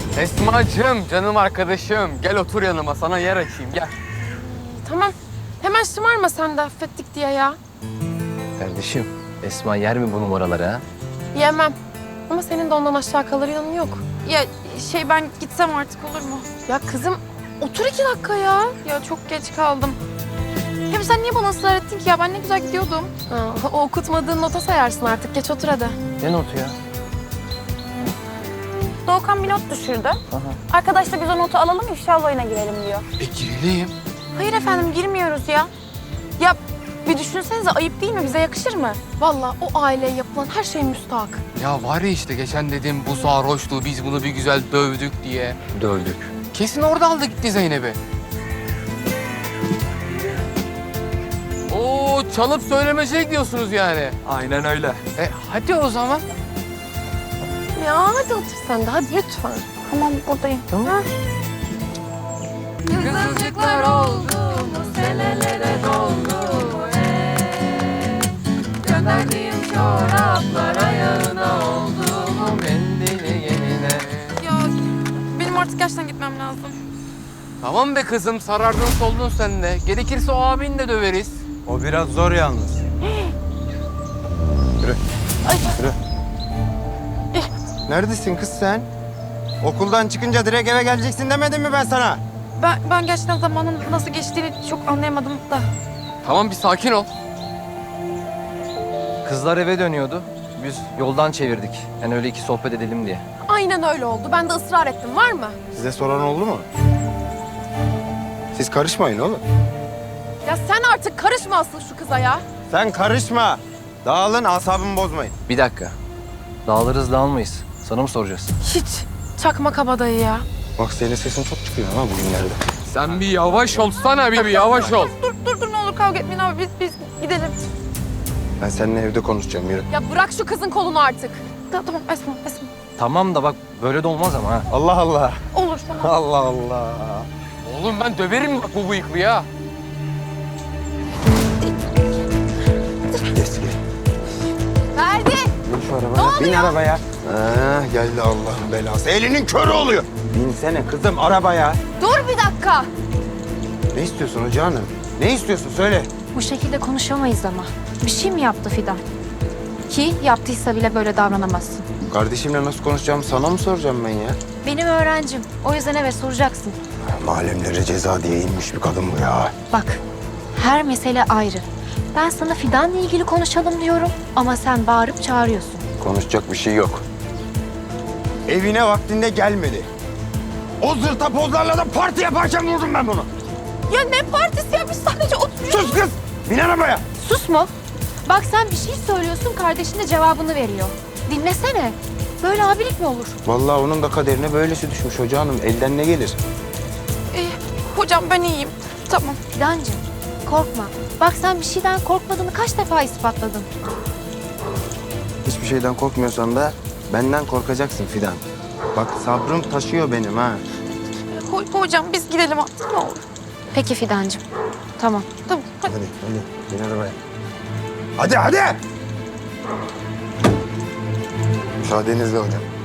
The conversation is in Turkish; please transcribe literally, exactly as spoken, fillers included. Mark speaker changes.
Speaker 1: Esma'cığım, canım arkadaşım. Gel otur yanıma, sana yer açayım, gel.
Speaker 2: Tamam. Hemen şımarma sen de affettik diye ya.
Speaker 3: Kardeşim, Esma yer mi bu numaraları ha?
Speaker 2: Yemem. Ama senin de ondan aşağı kalır yanın yok.
Speaker 4: Ya şey ben gitsem artık olur mu?
Speaker 2: Ya kızım otur iki dakika ya.
Speaker 4: Ya çok geç kaldım. Hem sen niye bana ısrar ettin ki ya? Ben ne güzel gidiyordum.
Speaker 2: Ha, o okutmadığın nota sayarsın artık. Geç otur hadi.
Speaker 3: Ne notu ya?
Speaker 5: Doğukan bir not düşürdü. Arkadaş da biz o notu alalım, ifşa oyuna girelim diyor.
Speaker 1: E girelim.
Speaker 4: Hayır efendim girmiyoruz ya. Ya bir düşünsenize ayıp değil mi? Bize yakışır mı?
Speaker 2: Vallahi o aileye yapılan her şey müstahak.
Speaker 1: Ya var ya işte geçen dedim bu sarhoştu, biz bunu bir güzel dövdük diye.
Speaker 3: Dövdük.
Speaker 1: Kesin orada aldı gitti Zeynep'i. Oo, çalıp söylemece gidiyorsunuz yani.
Speaker 3: Aynen öyle.
Speaker 1: E hadi o zaman.
Speaker 2: Ya hadi otur sen de hadi lütfen.
Speaker 5: Tamam, buradayım.
Speaker 2: Kızılcıklar oldu, senelere doldu. Gönderdiğim çoraplar ayağına oldu.
Speaker 1: Mendili yenine.
Speaker 4: Ya benim artık gerçekten gitmem lazım.
Speaker 1: Tamam be kızım, sarardın soldun sen de. Gerekirse o abini de döveriz.
Speaker 6: O biraz zor yalnız. Yürü. Yürü. Neredesin kız sen? Okuldan çıkınca direkt eve geleceksin demedim mi ben sana?
Speaker 4: Ben, ben gerçekten zamanın nasıl geçtiğini çok anlayamadım da.
Speaker 1: Tamam bir sakin ol.
Speaker 3: Kızlar eve dönüyordu. Biz yoldan çevirdik. Yani öyle iki sohbet edelim diye.
Speaker 2: Aynen öyle oldu. Ben de ısrar ettim. Var mı?
Speaker 6: Size soran oldu mu? Siz karışmayın oğlum.
Speaker 2: Ya sen artık karışma asıl şu kıza ya.
Speaker 6: Sen karışma. Dağılın, asabımı bozmayın.
Speaker 3: Bir dakika. Dağılırız dağılmayız. Sana mı soracağız?
Speaker 2: Hiç. Çakma kabadayı ya.
Speaker 6: Bak senin sesin çok çıkıyor ha bugünlerde.
Speaker 1: Sen bir yavaş olsana, bir, bir yavaş ol.
Speaker 4: Dur dur dur ne olur kavga etmeyin abi biz, biz gidelim.
Speaker 6: Ben seninle evde konuşacağım, yürü.
Speaker 2: Ya bırak şu kızın kolunu artık.
Speaker 4: Ta- Tamam Esma Esma.
Speaker 3: Tamam da bak böyle de olmaz ama ha.
Speaker 6: Allah Allah.
Speaker 4: Olur tamam.
Speaker 6: Allah Allah.
Speaker 1: Oğlum ben döverim bak bu bıyıklı ya.
Speaker 6: Eski.
Speaker 2: Ferdi.
Speaker 6: Bin şu arabaya. Bin arabaya. Ha, geldi Allah'ın belası. Elinin körü oluyor. Binsene kızım arabaya.
Speaker 2: Dur bir dakika.
Speaker 6: Ne istiyorsun hoca hanım? Ne istiyorsun söyle.
Speaker 5: Bu şekilde konuşamayız ama. Bir şey mi yaptı Fidan? Ki yaptıysa bile böyle davranamazsın.
Speaker 6: Kardeşimle nasıl konuşacağımı sana mı soracağım ben ya?
Speaker 5: Benim öğrencim. O yüzden evet soracaksın.
Speaker 6: Malemlere ceza diye inmiş bir kadın bu ya.
Speaker 5: Bak, her mesele ayrı. Ben sana Fidan'la ilgili konuşalım diyorum ama sen bağırıp çağırıyorsun.
Speaker 6: Konuşacak bir şey yok. Evine vaktinde gelmedi. O zırta pozlarla da parti yaparken vurdum ben bunu.
Speaker 2: Ya ne partisi ya? Biz sadece oturuyoruz.
Speaker 6: Sus kız! Bin arabaya!
Speaker 5: Sus mu? Bak sen bir şey söylüyorsun, kardeşin de cevabını veriyor. Dinlesene. Böyle abilik mi olur?
Speaker 6: Vallahi onun da kaderine böylesi düşmüş hoca hanım. Elden ne gelir?
Speaker 4: İyi. Hocam ben iyiyim. Tamam.
Speaker 5: Fidancığım, korkma. Bak sen bir şeyden korkmadığını kaç defa ispatladın.
Speaker 6: Hiçbir şeyden korkmuyorsan da benden korkacaksın Fidan. Bak sabrım taşıyor benim ha.
Speaker 4: Ho- hocam biz gidelim artık ne olur.
Speaker 5: Peki Fidancığım. Tamam.
Speaker 4: Tamam hadi.
Speaker 6: Hadi hadi bin arabaya. Hadi hadi! Müsaadenizle hocam.